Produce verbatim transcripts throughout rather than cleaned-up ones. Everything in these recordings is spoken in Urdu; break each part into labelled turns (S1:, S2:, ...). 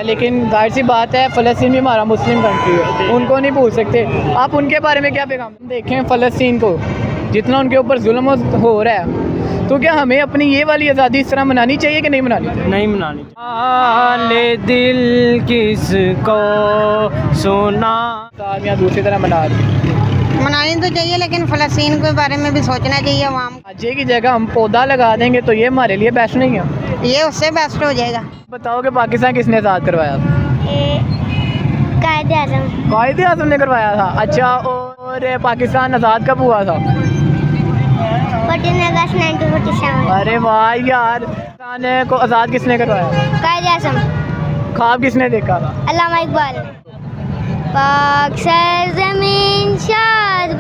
S1: لیکن ظاہر سی بات ہے فلسطین بھی ہمارا مسلم کنٹری ہے، ان کو نہیں بھول سکتے. آپ ان کے بارے میں کیا پیغام دیکھیں؟ فلسطین کو جتنا ان کے اوپر ظلم ہو رہا ہے، تو کیا ہمیں اپنی یہ والی آزادی اس طرح منانی چاہیے کہ نہیں منانی چاہیے؟
S2: نہیں منانی چاہیے. حال دل کس کو سنا
S1: یا دوسری طرح منا رہی
S3: منانی تو چاہیے، لیکن فلسطین کے بارے میں بھی سوچنا چاہیے عوام کو.
S1: آجے کی جگہ ہم پودا لگا دیں گے تو یہ ہمارے لیے بیسٹ نہیں ہے.
S3: یہ اس سے بیسٹ ہو جائے گا.
S1: بتاؤ کہ پاکستان کس نے آزاد کروایا تھا؟
S4: قائد اعظم.
S1: قائد اعظم نے کروایا تھا. اچھا، اور پاکستان آزاد کب ہوا تھا؟
S4: Fourteen August nineteen forty seven.
S1: ارے واہ یار، پاکستان کو آزاد کس نے کروایا؟
S4: قائد اعظم.
S1: خواب کس نے دیکھا تھا؟
S4: علامہ اقبال. پاک سرزمین شاد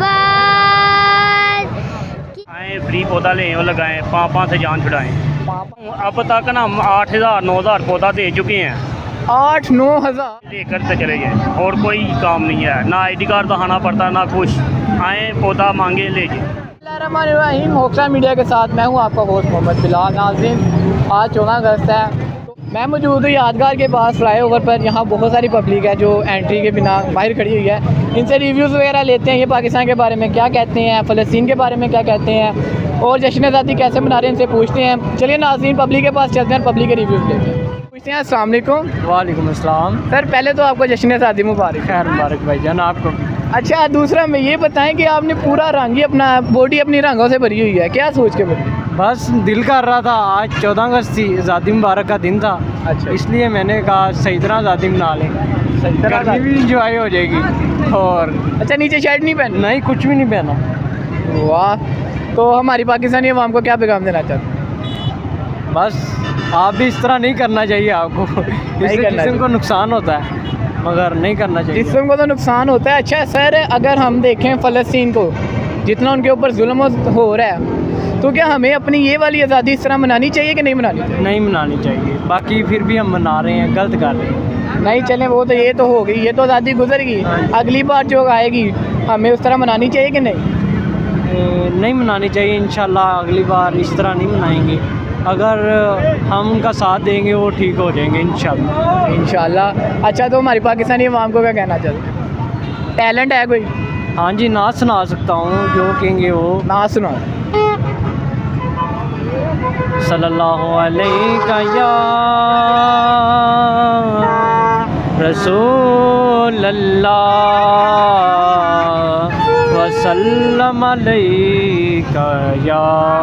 S4: باد.
S5: آئیں فری پودا لیں اور لگائیں، پانپ پانپ سے جان چھڑائیں. اب تک نا ہم آٹھ ہزار نو ہزار پودا دے چکے ہیں.
S1: آٹھ نو ہزار
S5: لے کر چلے جائیں، اور کوئی کام نہیں ہے، نہ آئی ڈی کارڈ دکھانا پڑتا نہ کچھ. آئیں پودا مانگے لے جائیں.
S1: بسم اللہ الرحمن الرحیم. ہوکسا میڈیا کے ساتھ میں ہوں آپ کا ہوسٹ محمد بلال. ناظرین، آج چودہ اگست ہے، میں موجود ہوں یادگار کے پاس فلائی اوور پر. یہاں بہت ساری پبلک ہے جو انٹری کے بنا باہر کھڑی ہوئی ہے. ان سے ریویوز وغیرہ لیتے ہیں، یہ پاکستان کے بارے میں کیا کہتے ہیں، فلسطین کے بارے میں کیا کہتے ہیں، اور جشن آزادی کیسے منا رہے ہیں ان سے پوچھتے ہیں. چلیے ناظرین، پبلک کے پاس چلتے ہیں، پبلک کے ریویوز لیتے ہیں. پوچھتے ہیں السلام علیکم.
S2: وعلیکم السلام.
S1: سر پہلے تو آپ کو جشن آزادی مبارک.
S2: خیر مبارک بھائی جان آپ کو.
S1: اچھا، دوسرا میں یہ بتائیں کہ آپ نے پورا رنگ ہی اپنا باڈی اپنی رنگوں سے بھری ہوئی ہے، کیا سوچ کے بھری؟
S2: بس دل کر رہا تھا، آج چودہ اگست تھی، آزادی مبارک کا دن تھا.
S1: اچھا،
S2: اس لیے میں نے کہا صحیح طرح آزادی منا لیں،
S1: صحیح طرح
S2: گرمی بھی انجوائے ہو جائے گی. اور
S1: اچھا، نیچے شرٹ نہیں پہننا؟
S2: نہیں، کچھ بھی نہیں پہنا.
S1: واہ. تو ہماری پاکستانی عوام کو کیا پیغام دینا چاہتے ہیں؟
S2: بس آپ بھی اس طرح نہیں کرنا چاہیے، آپ کو اس سے جسم کو نقصان ہوتا ہے، مگر نہیں کرنا چاہیے.
S1: جسم کو تو نقصان ہوتا ہے. اچھا سر، اگر ہم دیکھیں فلسطین کو جتنا ان کے اوپر ظلم ہو رہا ہے، تو کیا ہمیں اپنی یہ والی آزادی اس طرح منانی چاہیے کہ نہیں منانی چاہیے؟
S2: نہیں منانی چاہیے. باقی پھر بھی ہم منا رہے ہیں، غلط کر رہے ہیں.
S1: نہیں چلیں، وہ تو یہ تو ہو گئی، یہ تو آزادی گزر گئی. اگلی بار جو آئے گی ہمیں اس طرح منانی چاہیے کہ نہیں؟
S2: نہیں منانی چاہیے. انشاءاللہ اگلی بار اس طرح نہیں منائیں گے. اگر ہم ان کا ساتھ دیں گے وہ ٹھیک ہو جائیں گے انشاءاللہ.
S1: انشاءاللہ. اچھا، تو ہماری پاکستانی عوام کو کیا کہنا چاہتے ہیں؟ ٹیلنٹ ہے کوئی؟
S2: ہاں جی، نعت سنا سکتا ہوں، جو کہیں گے وہ.
S1: نہ سنو.
S2: صلی اللہ علیہ یا رسول اللہ وسلم علیہ یا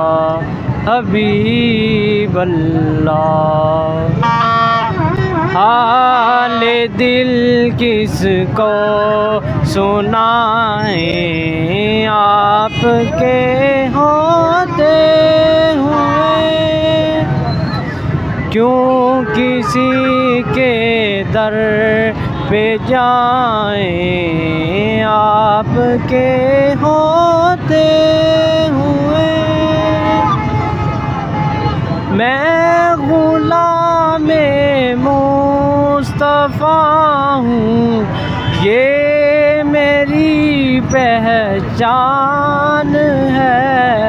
S2: حبیب اللہ. حال دل کس کو سنائیں آپ کے ہوتے ہوئے، کیوں کسی کے در پہ جائیں آپ کے ہوتے ہوئے. میں غلام مصطفیٰ ہوں، یہ میری پہچان ہے.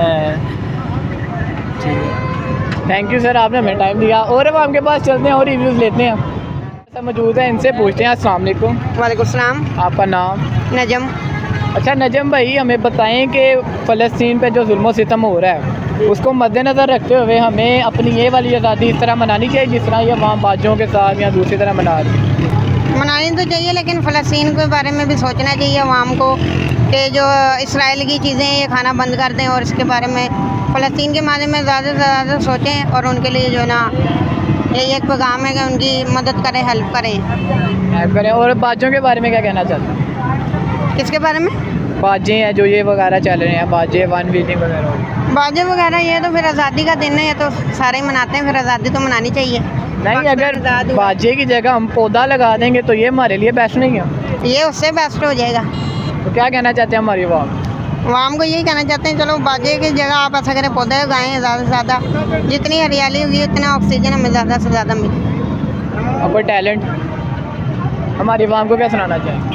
S1: تھینک یو سر، آپ نے ہمیں ٹائم دیا. اور اب ہم کے پاس چلتے ہیں اور ریویوز لیتے ہیں. ایسا موجود ہے، ان سے پوچھتے ہیں. السلام علیکم.
S3: وعلیکم السلام.
S1: آپ کا نام؟
S3: نجم.
S1: اچھا نجم بھائی، ہمیں بتائیں کہ فلسطین پہ جو ظلم و ستم ہو رہا ہے اس کو مد نظر رکھتے ہوئے ہمیں اپنی یہ والی آزادی اس طرح منانی چاہیے جس طرح یہ عوام باجوں کے ساتھ یا دوسری طرح منا رہی ہے؟
S3: منانی تو چاہیے، لیکن فلسطین کے بارے میں بھی سوچنا چاہیے عوام کو کہ جو اسرائیل کی چیزیں ہیں یہ کھانا بند کر دیں، اور اس کے بارے میں فلسطین کے بارے میں زیادہ سے زیادہ سوچیں، اور ان کے لیے جو ہے نا یہی ایک پیغام ہے کہ ان کی مدد کریں، ہیلپ کریں.
S1: ہیلپ کریں. اور باجوں کے بارے میں کیا کہنا چاہتے ہیں؟
S3: کس کے بارے میں؟
S1: باجے ہیں جو یہ وغیرہ چل رہے ہیں، باجے ون ویٹنگ وغیرہ.
S3: باجے وغیرہ یہ تو پھر آزادی کا دن ہے، یہ تو سارے ہی مناتے ہیں، پھر آزادی تو منانی چاہیے.
S1: نہیں، اگر باجے کی جگہ ہم پودا لگا دیں گے تو یہ ہمارے لیے بیسٹ نہیں ہے.
S3: یہ اس سے بیسٹ ہو جائے گا.
S1: تو کیا کہنا چاہتے ہیں ہماری عوام؟
S3: عوام کو یہی کہنا چاہتے ہیں چلو باجے کی جگہ آپ ایسا کریں پودے اگائیں، زیادہ سے زیادہ جتنی ہریالی ہوگی اتنا آکسیجن ہمیں زیادہ سے زیادہ ملے.
S1: اور کوئی ٹیلنٹ ہماری عوام کو کیا سنانا چاہیں؟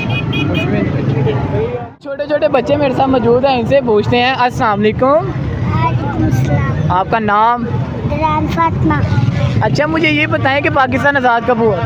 S1: چھوٹے چھوٹے بچے میرے ساتھ موجود ہیں، ان سے پوچھتے ہیں. السلام علیکم.
S4: وعلیکم السلام.
S1: آپ کا نام؟
S4: ران فاطمہ.
S1: اچھا مجھے یہ بتائیں کہ پاکستان آزاد کب ہوا؟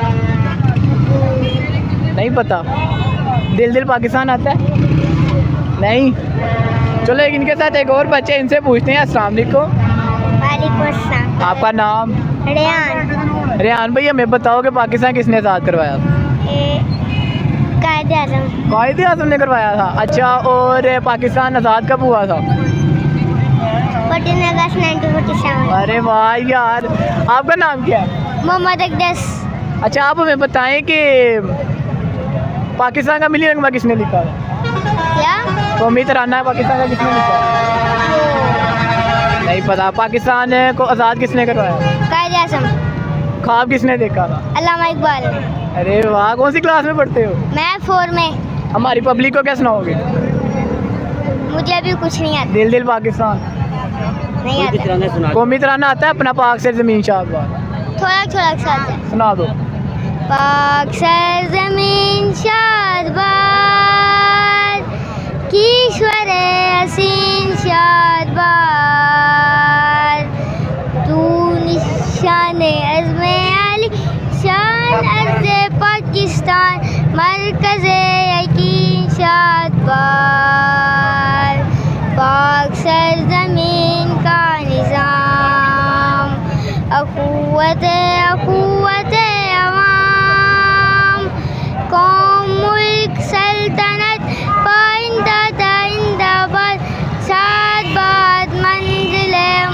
S1: نہیں پتہ. دل دل پاکستان آتا ہے؟ نہیں. چلو ایک ان کے ساتھ ایک اور بچے ان سے پوچھتے ہیں. السلام علیکم.
S4: وعلیکم السلام.
S1: آپ کا نام؟
S4: ریان.
S1: ریحان بھائی ہمیں بتاؤ کہ پاکستان کس نے آزاد کروایا تھا؟
S4: قائد اعظم.
S1: قائد اعظم نے کروایا تھا. اچھا اور پاکستان آزاد کب ہوا تھا؟
S4: Fourteen August nineteen forty seven.
S1: ارے واہ یار. آپ کا نام کیا ہے؟
S4: محمد اقدس.
S1: اچھا آپ ہمیں بتائیں کہ پاکستان کا ملی رنگمہ کس نے لکھا ہے؟
S4: کیا؟
S1: قومی ترانہ پاکستان کا کس نے لکھا ہے؟ نہیں پتا. پاکستان کو آزاد کس نے کروایا؟
S4: قائد اعظم.
S1: خواب کس نے دیکھا تھا؟
S4: علامہ اقبال.
S1: ارے واہ. کون سی کلاس میں پڑھتے ہو؟
S4: میں فور میں.
S1: ہماری پبلک کو کیا سناؤ گے؟
S4: مجھے ابھی کچھ نہیں آتا.
S1: دل دل پاکستان.
S4: نہیں آتا.
S1: قومی ترانہ آتا ہے اپنا پاک سے زمین شاد باد؟
S4: تھوڑا تھوڑا ساتھ ہے.
S1: سنا دو.
S4: پاک سر زمین شاد باد کیشور حسین شاد باد تو نشان عزم علی شان عرض پاکستان مرکز یقین شاد باد پاک سر زمین کا نظام اخوت اخوت عوام قوم ملک سلطنت پائندہ دائندہ باد شاد باد منزل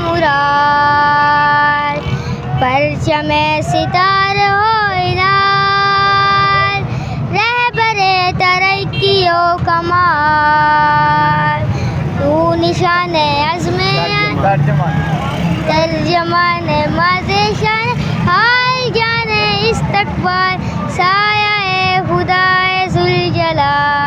S4: مراد پرچم ستار ہو انار رہبر ترقی و کمال تو نشان عزم ترجمان مازشان حال جان استقبال سایہ خدا ذوالجلال.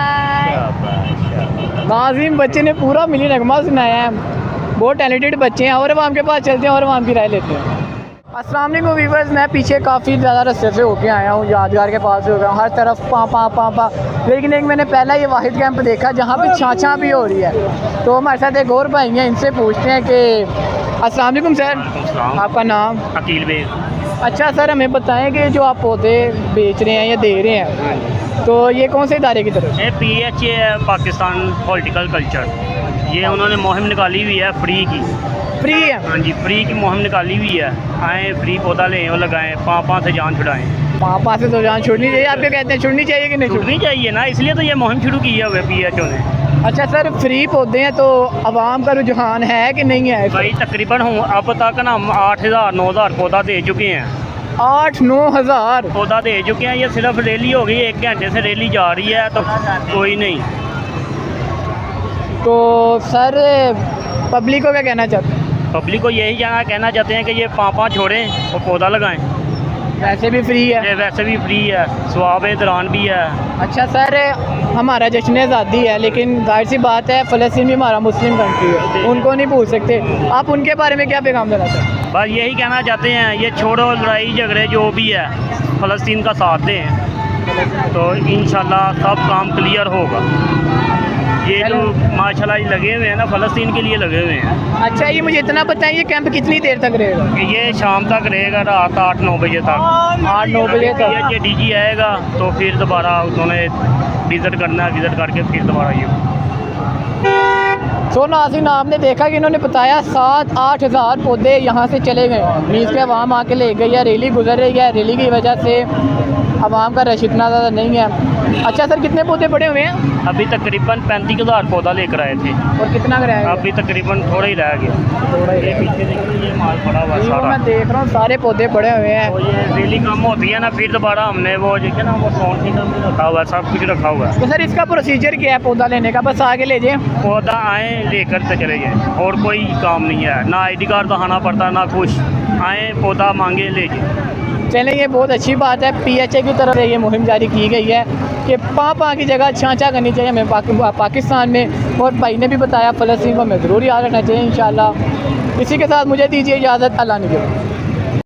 S1: ناظرین بچے نے پورا ملی نغمہ سنایا ہے. بہت ٹیلنٹڈ بچے ہیں. اور عوام کے پاس چلتے ہیں اور عوام کی رائے لیتے ہیں. السلام علیکم ویورز. میں پیچھے کافی زیادہ رستے سے ہو کے آیا ہوں. یادگار کے پاس سے ہو گیا ہوں. ہر طرف پاں پاں پاں پاں. لیکن ایک میں نے پہلا یہ واحد کیمپ دیکھا جہاں پہ چھاں چھاں بھی ہو رہی ہے. تو ہمارے ساتھ ایک اور بھائی ہیں. ان سے پوچھتے ہیں کہ السلام علیکم سر. آپ کا نام؟
S5: عقیل بے.
S1: اچھا سر ہمیں بتائیں کہ جو آپ پودے بیچ رہے ہیں یا دے رہے ہیں تو یہ کون سے ادارے کی طرف؟
S5: یہ پی ایچ اے ہے پاکستان پولیٹیکل کلچر. یہ انہوں نے مہم نکالی ہوئی ہے فری کی.
S1: فری ہے؟
S5: ہاں جی فری کی مہم نکالی ہوئی ہے. آئیں فری پودا لیں اور لگائیں. پاں پاں سے جان چھڑائیں.
S1: پاں پاں سے تو جان چھوڑنی چاہیے. آپ کیا کہتے ہیں چھوڑنی چاہیے کہ نہیں چھوڑنی؟
S5: چھوڑنی چاہیے نا. اس لیے تو یہ مہم شروع کی ہے پی ایچ او نے.
S1: اچھا سر فری پودے ہیں تو عوام کا رجحان ہے کہ نہیں ہے؟
S5: بھائی تقریباً ہوں اب تک نا ہم آٹھ ہزار نو ہزار پودا دے چکے ہیں.
S1: آٹھ نو ہزار
S5: پودا دے چکے ہیں. یہ صرف ریلی ہو گئی. ایک گھنٹے سے ریلی جا رہی ہے تو کوئی نہیں.
S1: تو سر پبلک کو کیا کہنا چاہتے ہیں؟
S5: پبلک کو یہی جانا کہنا چاہتے ہیں کہ یہ پاں پاں چھوڑیں اور پودا لگائیں.
S1: ویسے بھی فری ہے؟
S5: یہ ویسے بھی فری ہے. ثواب دوران بھی ہے.
S1: اچھا سر ہمارا جشن آزادی ہے لیکن ظاہر سی بات ہے فلسطین بھی ہمارا مسلم کنٹری ہے. ان کو نہیں بھول سکتے. آپ ان کے بارے میں کیا پیغام دینا چاہتے ہیں؟
S5: بس یہی کہنا چاہتے ہیں یہ چھوڑو لڑائی جھگڑے جو بھی ہے فلسطین کا ساتھ دیں تو انشاءاللہ سب کام کلیئر ہوگا. یہ جو ماشاء اللہ لگے ہوئے ہیں نا فلسطین کے لیے لگے ہوئے ہیں.
S1: اچھا یہ مجھے اتنا پتہ ہے یہ کیمپ کتنی دیر تک رہے گا؟
S5: کہ یہ شام تک رہے گا رات آٹھ نو بجے تک.
S1: آٹھ نو بجے تک.
S5: یہ ڈی جی آئے گا تو پھر دوبارہ انہوں نے وزٹ کرنا ہے. وزٹ کر کے پھر دوبارہ یہ
S1: سو ناظرین آپ نے دیکھا کہ انہوں نے بتایا سات آٹھ ہزار پودے یہاں سے چلے گئے. میز کے عوام آ کے لے گئی ہے. ریلی گزر رہی ہے. ریلی کی وجہ سے عوام کا رش اتنا زیادہ نہیں ہے. اچھا سر کتنے پودے پڑے ہوئے ہیں؟
S5: ابھی تقریباً پینتیس ہزار پودا لے کر آئے تھے.
S1: اور کتنا کرایہ؟
S5: ابھی تقریباً تھوڑا ہی رہ گیا.
S1: تھوڑا ہی.
S5: یہ پیچھے دیکھیے یہ مال پڑا ہوا ہے
S1: میں
S5: سارا.
S1: دیکھ رہا ہوں سارے پودے پڑے ہوئے ہیں.
S5: وہ یہ ریلی کم ہوتی ہے نا پھر دوبارہ ہم نے وہ جو ہے نا وہ ساؤنڈ سسٹم بھی رکھا ہوا ہے. سب کچھ رکھا ہوا ہے.
S1: تو سر اس کا پروسیجر کیا ہے پودا لینے کا؟ بس آگے لے جائیں
S5: پودا آئیں لے کر تو چلے جائیں. اور کوئی کام نہیں ہے. نہ آئی ڈی کارڈ دکھانا پڑتا نہ کچھ. آئیں پودا مانگے لے جائیں.
S1: چلیں یہ بہت اچھی بات ہے. پی ایچ اے کی طرف سے یہ مہم جاری کی گئی ہے کہ پاں پاں کی جگہ چھاں چھاں کرنی چاہیے ہمیں پاکستان میں. اور بھائی نے بھی بتایا فلسطین کو ہمیں ضرور یاد رکھنا چاہیے انشاءاللہ. اسی کے ساتھ مجھے دیجیے اجازت. اللہ نے